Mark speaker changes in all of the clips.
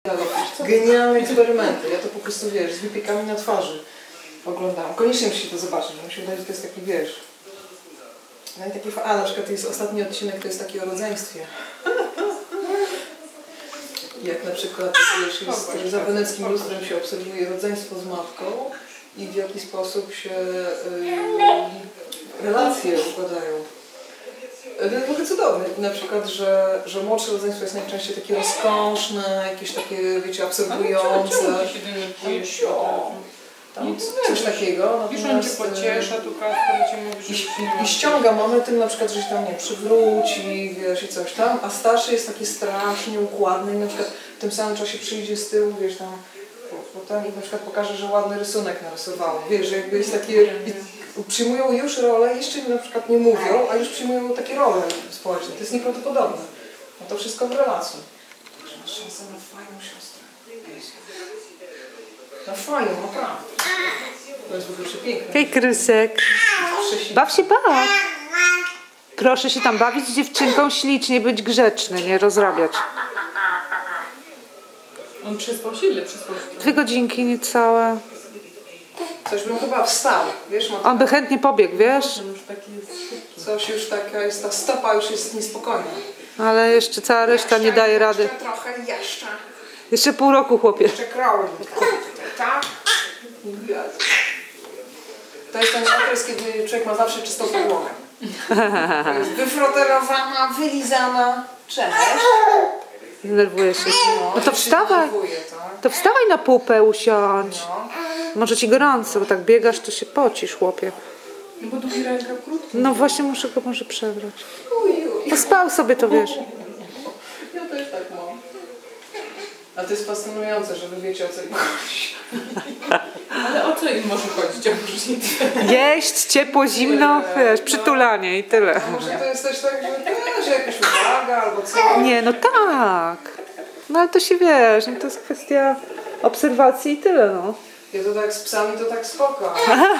Speaker 1: Genialne eksperymenty. Ja to po prostu, wiesz, z wypiekami na twarzy oglądałam. Koniecznie musicie to zobaczyć, bo mi się wydaje, że to jest taki, wiesz... No i taki... A, na przykład jest ostatni odcinek, to jest taki o rodzeństwie. Jak na przykład, wiesz, jest, za weneckim lustrem się obserwuje rodzeństwo z matką i w jaki sposób się relacje układają. To jest trochę cudowne. Na przykład, że młodsze rodzeństwo jest najczęściej takie rozkoszne, jakieś takie, wiecie, absorbujące. Tam coś takiego.
Speaker 2: Już on cię pociesza, tu Kasper cię mówi, że
Speaker 1: I ściąga momentem na przykład, że się tam nie przywróci, wiesz, i coś tam, a starszy jest taki strasznie układny i na przykład w tym samym czasie przyjdzie z tyłu, wiesz, tam potem i na przykład pokaże, że ładny rysunek narysowało. Wiesz, że jakby jest takie... Przyjmują już rolę, jeszcze na przykład nie mówią, a już przyjmują takie role społeczne. To jest nieprawdopodobne. No to wszystko w relacji. Także masz szansę na fajną siostrę. Na fajną, naprawdę. To jest w ogóle przepiękne.
Speaker 3: Hej, Krysek. Baw się, baw. Proszę się tam bawić z dziewczynką ślicznie, być grzeczny, nie rozrabiać.
Speaker 2: On przespał się, ile przespał się?
Speaker 3: 2 godzinki niecałe.
Speaker 1: Coś bym chyba wstał, wiesz?
Speaker 3: On by chętnie pobiegł, wiesz?
Speaker 1: Coś już taka jest, ta stopa już jest niespokojna.
Speaker 3: Ale jeszcze cała reszta nie daje rady.
Speaker 1: Jeszcze trochę, jeszcze.
Speaker 3: Jeszcze pół roku, chłopie.
Speaker 1: Jeszcze krauli. Tak? To jest ten okres, kiedy człowiek ma zawsze czystą podłogę. To jest wyfroterowana, wylizana. Cześć.
Speaker 3: Denerwuje się. No to wstawaj. To wstawaj na pupę, usiądź. Może ci gorąco, bo tak biegasz, to się pocisz, chłopie.
Speaker 2: No bo długi rękaw krótki.
Speaker 3: No właśnie, muszę go może przebrać. Pospał sobie, to wiesz.
Speaker 1: Ja też tak mam. A to jest fascynujące, że wy wiecie, o co im chodzi.
Speaker 2: Ale o co im może chodzić oprócz nic?
Speaker 3: Jeść, ciepło, zimno, wiesz, przytulanie i tyle.
Speaker 1: A może to jest też tak, że jakaś uwaga albo co?
Speaker 3: Nie, no tak. No ale to się wiesz, no to jest kwestia obserwacji i tyle, no.
Speaker 1: Ja to tak z psami to tak spoko.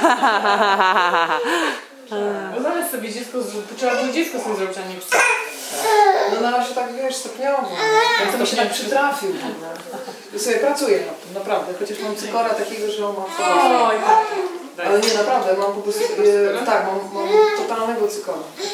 Speaker 2: No zamiast sobie dziecko, to trzeba było dziecko sobie zrobić, a nie psa.
Speaker 1: No na razie tak, wiesz, stopniowo. Ja to mi się tak przytrafił. Ja sobie pracuję nad tym, naprawdę. Chociaż mam cykora takiego, że on ma...
Speaker 2: Oj,
Speaker 1: Ale nie, naprawdę, mam po prostu... Tak, mam totalnego cykora.